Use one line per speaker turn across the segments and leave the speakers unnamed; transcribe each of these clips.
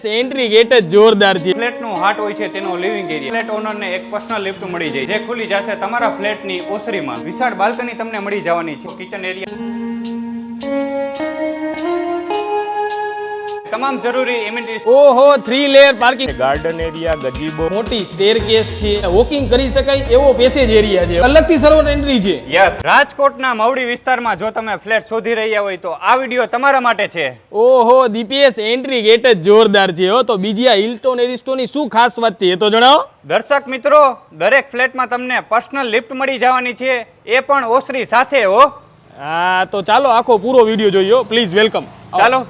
Entry gate જ જોરદાર છે.
ફ્લેટનું હાર્ટ હોય છે તેનો લિવિંગ એરિયા. ફ્લેટ ઓનરને એક પર્સનલ લિફ્ટ મળી જાય જે ખુલી જશે તમારા ફ્લેટની ઓસરીમાં. વિશાળ બાલ્કની તમને મળી જવાની છે. કિચન એરિયા, તમામ જરૂરી એમિનિટીઝ.
ઓહો 3 layer parking,
garden area, gazebo,
મોટી સ્ટેરકેસ છે, વોકિંગ કરી શકાય એવો પેસેજ એરિયા છે, અલગથી સર્વર એન્ટ્રી છે.
યસ, રાજકોટના મવડી વિસ્તારમાં જો તમે ફ્લેટ શોધી રહ્યા હોય તો આ વિડીયો તમારા માટે છે.
ઓહો દીપેશ, એન્ટ્રી ગેટ જ જોરદાર છે હો. તો બીજી આ હિલ્ટોન એરિસ્ટોની શું ખાસ વાત છે એ તો જણાવો.
દર્શક મિત્રો, દરેક ફ્લેટમાં તમને પર્સનલ લિફ્ટ મળી જવાની છે, એ પણ ઓસરી સાથે હો.
હા તો ચાલો આખો પૂરો વિડીયો જોઈએ. Please welcome.
ચાલો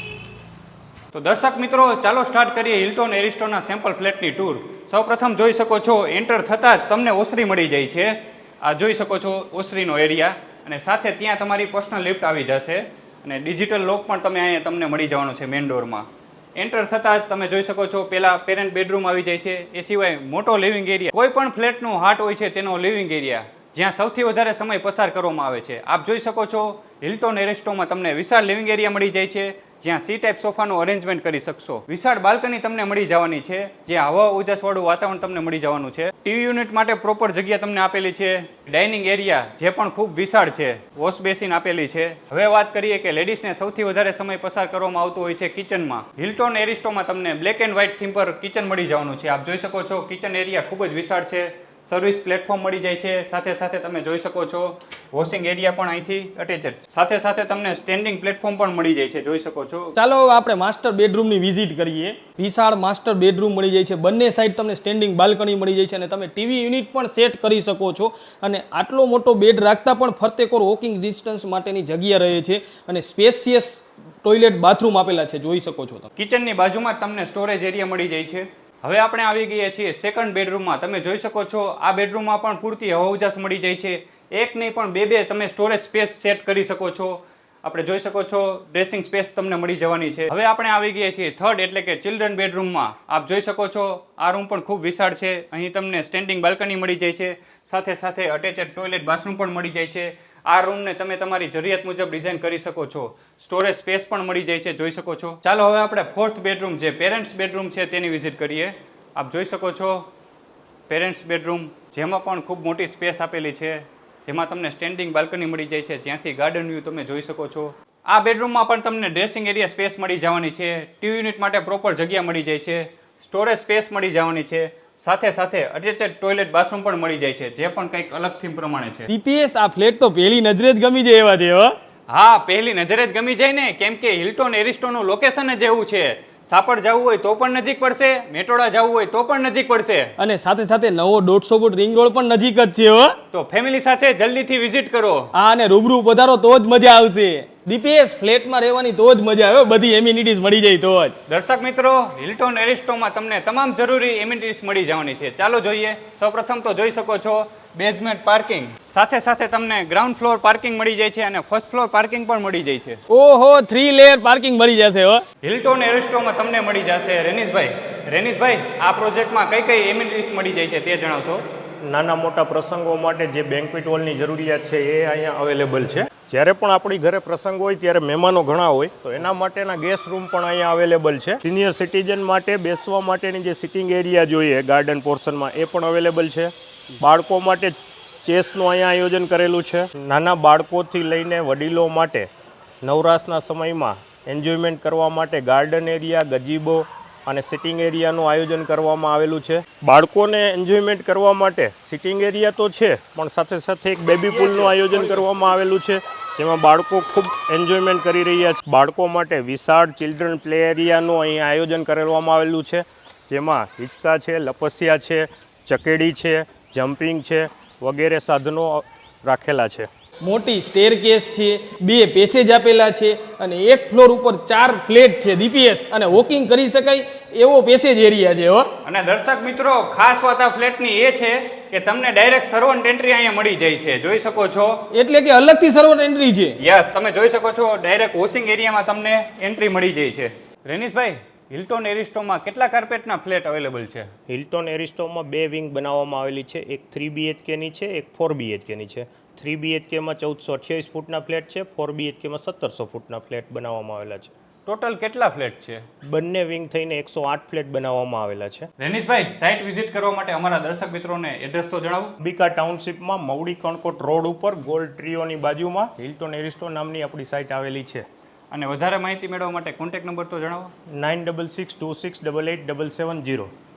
તો દર્શક મિત્રો, ચાલો સ્ટાર્ટ કરીએ હિલ્ટોન એરિસ્ટોના સેમ્પલ ફ્લેટની ટૂર. સૌપ્રથમ જોઈ શકો છો, એન્ટર થતાં જ તમને ઓસરી મળી જાય છે. આ જોઈ શકો છો ઓસરીનો એરિયા, અને સાથે ત્યાં તમારી પર્સનલ લિફ્ટ આવી જશે, અને ડિજિટલ લોક પણ તમે અહીંયા તમને મળી જવાનો છે મેઇન ડોરમાં. એન્ટર થતાં જ તમે જોઈ શકો છો પહેલાં પેરેન્ટ બેડરૂમ આવી જાય છે. એ સિવાય મોટો લિવિંગ એરિયા. કોઈ પણ ફ્લેટનું હાર્ટ હોય છે તેનો લિવિંગ એરિયા, જ્યાં સૌથી વધારે સમય પસાર કરવામાં આવે છે. આપ જોઈ શકો છો હિલ્ટોન એરિસ્ટોમાં તમને વિશાળ લિવિંગ એરિયા મળી જાય છે, જ્યાં સી ટાઈપ સોફાનું અરેન્જમેન્ટ કરી શકશો. વિશાળ બાલ્કની તમને મળી જવાની છે, જ્યાં હવા ઉજાસવાળું વાતાવરણ તમને મળી જવાનું છે. ટીવી યુનિટ માટે પ્રોપર જગ્યા તમને આપેલી છે. ડાઇનિંગ એરિયા જે પણ ખૂબ વિશાળ છે, વોશ બેસિન આપેલી છે. હવે વાત કરીએ કે લેડીઝને સૌથી વધારે સમય પસાર કરવામાં આવતો હોય છે કિચનમાં. હિલ્ટોન એરિસ્ટોમાં તમને બ્લેક એન્ડ વ્હાઇટ થીમ પર કિચન મળી જવાનું છે. આપ જોઈ શકો છો કિચન એરિયા ખૂબ જ વિશાળ છે. સર્વિસ પ્લેટફોર્મ મળી જાય છે. સાથે સાથે તમે જોઈ શકો છો વોશિંગ એરિયા પણ અહીંથી અટેચ. સાથે સાથે તમને સ્ટેન્ડિંગ પ્લેટફોર્મ પણ મળી જાય છે, જોઈ શકો છો.
ચાલો હવે આપણે માસ્ટર બેડરૂમની વિઝિટ કરીએ. વિશાળ માસ્ટર બેડરૂમ મળી જાય છે. બંને સાઈડ તમને સ્ટેન્ડિંગ બાલ્કની મળી જાય છે, અને તમે ટીવી યુનિટ પણ સેટ કરી શકો છો. અને આટલો મોટો બેડ રાખતા પણ ફરતેકોર વોકિંગ ડિસ્ટન્સ માટેની જગ્યા રહે છે, અને સ્પેશિયસ ટોયલેટ બાથરૂમ આપેલા છે, જોઈ શકો છો.
કિચનની બાજુમાં તમને સ્ટોરેજ એરિયા મળી જાય છે. હવે આપણે આવી ગયા છીએ સેકન્ડ બેડરૂમમાં. તમે જોઈ શકો છો આ બેડરૂમમાં પણ પૂરતી હવા ઉજાસ મળી જાય છે. એક નહીં પણ બે તમે સ્ટોરેજ સ્પેસ સેટ કરી શકો છો. આપણે જોઈ શકો છો ડ્રેસિંગ સ્પેસ તમને મળી જવાની છે. હવે આપણે આવી ગયા છીએ થર્ડ એટલે કે ચિલ્ડ્રન બેડરૂમમાં. આપ જોઈ શકો છો આ રૂમ પણ ખૂબ વિશાળ છે. અહીં તમને સ્ટેન્ડિંગ બાલ્કની મળી જાય છે. સાથે સાથે અટેચેડ ટોયલેટ બાથરૂમ પણ મળી જાય છે. આ રૂમને તમે તમારી જરૂરિયાત મુજબ ડિઝાઇન કરી શકો છો. સ્ટોરેજ સ્પેસ પણ મળી જાય છે, જોઈ શકો છો. ચાલો હવે આપણે ફોર્થ બેડરૂમ જે પેરેન્ટ્સ બેડરૂમ છે તેની વિઝિટ કરીએ. આપ જોઈ શકો છો પેરેન્ટ્સ બેડરૂમ, જેમાં પણ ખૂબ મોટી સ્પેસ આપેલી છે, જેમાં તમને સ્ટેન્ડિંગ બાલ્કની મળી જાય છે, જ્યાંથી ગાર્ડન વ્યૂ તમે જોઈ શકો છો. આ બેડરૂમમાં પણ તમને ડ્રેસિંગ એરિયા સ્પેસ મળી જવાની છે. ટીવી યુનિટ માટે પ્રોપર જગ્યા મળી જાય છે. સ્ટોરેજ સ્પેસ મળી જવાની છે. સાથે સાથે અટેચેડ ટોયલેટ બાથરૂમ પણ મળી જાય છે, જે પણ કંઈક અલગ થીમ પ્રમાણે છે.
દીપેશ, આ ફ્લેટ તો પહેલી નજરે જ ગમી જાય એવા છે હો.
હા, પહેલી નજરે જ ગમી જાય ને, કેમ કે હિલ્ટોન એરિસ્ટોનું લોકેશન જ એવું છે. સાપડ જવું હોય તો પણ નજીક પડશે, મેટોડા જવું હોય તો પણ નજીક પડશે,
અને સાથે સાથે નવો 150 ફૂટ રિંગ રોડ પણ નજીક જ છે હો.
તો ફેમિલી સાથે જલ્દીથી વિઝિટ કરો.
હા, અને રૂબરૂ પધારો તો જ મજા આવશે. દીપેશ, ફ્લેટમાં રહેવાની તો જ મજા આવે, બધી એમિનિટીઝ મળી જાય તો જ.
દર્શક મિત્રો, હિલ્ટોન એરિસ્ટોમાં તમને તમામ જરૂરી એમિનિટીઝ મળી જવાની છે. ચાલો જોઈએ. સૌપ્રથમ તો જોઈ શકો છો બેઝમેન્ટ પાર્કિંગ. સાથે સાથે તમને ગ્રાઉન્ડ ફ્લોર પાર્કિંગ મળી જાય છે, અને ફર્સ્ટ ફ્લોર પાર્કિંગ પણ મળી જાય છે.
ઓહો 3 લેયર પાર્કિંગ મળી જશે હો.
હિલ્ટોન એરિસ્ટોમાં તમને મળી જશે. રેનીશભાઈ, આ પ્રોજેક્ટમાં કઈ કઈ એમિનિટીઝ મળી જાય છે તે જણાવશો.
નાના મોટા પ્રસંગો માટે જે બેન્ક્વેટ હોલની જરૂરિયાત છે એ અહીંયા અવેલેબલ છે. જ્યારે પણ આપણી ઘરે પ્રસંગ હોય ત્યારે મહેમાનો ઘણા હોય તો એના માટેના ગેસ્ટ રૂમ પણ અહીંયા અવેલેબલ છે. સિનિયર સિટીઝન માટે બેસવા માટેની જે સિટિંગ એરિયા જોઈએ ગાર્ડન પોર્શનમાં એ પણ અવેલેબલ છે. બાળકો માટે ચેસનું અહીંયા આયોજન કરેલું છે. નાના બાળકોથી લઈને વડીલો માટે નવરાશના સમયમાં એન્જોયમેન્ટ કરવા માટે ગાર્ડન એરિયા, ગજીબો અને સિટિંગ એરિયાનું આયોજન કરવામાં આવેલું છે. બાળકોને એન્જોયમેન્ટ કરવા માટે સિટિંગ એરિયા તો છે, પણ સાથે સાથે એક બેબી પૂલનું આયોજન કરવામાં આવેલું છે, જેમાં બાળકો ખૂબ એન્જોયમેન્ટ કરી રહ્યા છે. બાળકો માટે વિશાળ ચિલ્ડ્રન પ્લે એરિયાનું અહીં આયોજન કરવામાં આવેલું છે, જેમાં હિંચકા છે, લપસિયા છે, ચકેડી છે, જમ્પિંગ છે વગેરે સાધનો રાખેલા છે.
મોટી સ્ટેરકેસ છે, 2 પેસેજ આપેલા છે, અને એક ફ્લોર ઉપર 4 ફ્લેટ છે દીપેશ, અને વોકિંગ કરી શકાય એવો પેસેજ એરિયા છે હો.
અને દર્શક મિત્રો, ખાસ વાત આ ફ્લેટની એ છે કે તમને ડાયરેક્ટ સર્વન્ટ એન્ટ્રી અહીંયા મળી જાય છે, જોઈ શકો છો.
એટલે કે અલગથી સર્વર એન્ટ્રી છે.
યસ, તમે જોઈ શકો છો ડાયરેક્ટ વોશિંગ એરિયામાં તમને એન્ટ્રી મળી જાય છે. રેનીશભાઈ, હિલ્ટોન એરિસ્ટોમાં કેટલા કાર્પેટના ફ્લેટ અવેલેબલ છે?
હિલ્ટોન એરિસ્ટોમાં 2 વિંગ બનાવવામાં આવેલી છે. એક 3 BHKની છે, એક 4 BHKની છે. 3 BHKમાં 1428 ફૂટના ફ્લેટ છે, 4 BHKમાં 1700 ફૂટના ફ્લેટ બનાવવામાં આવેલા છે.
ટોટલ કેટલા ફ્લેટ છે?
બંને વિંગ થઈને 108 ફ્લેટ બનાવવામાં આવેલા છે.
રેનીશભાઈ, સાઇટ વિઝિટ કરવા માટે અમારા દર્શક મિત્રોને એડ્રેસ તો જણાવો.
અંબિકા ટાઉનશીપમાં મવડી કણકોટ રોડ ઉપર ગોલ્ડ ટ્રીઓની બાજુમાં હિલ્ટોન એરિસ્ટો નામની આપણી સાઇટ આવેલી છે.
અને વધારે માહિતી મેળવવા માટે કોન્ટેક્ટ નંબર તો જણાવો.
9662688770.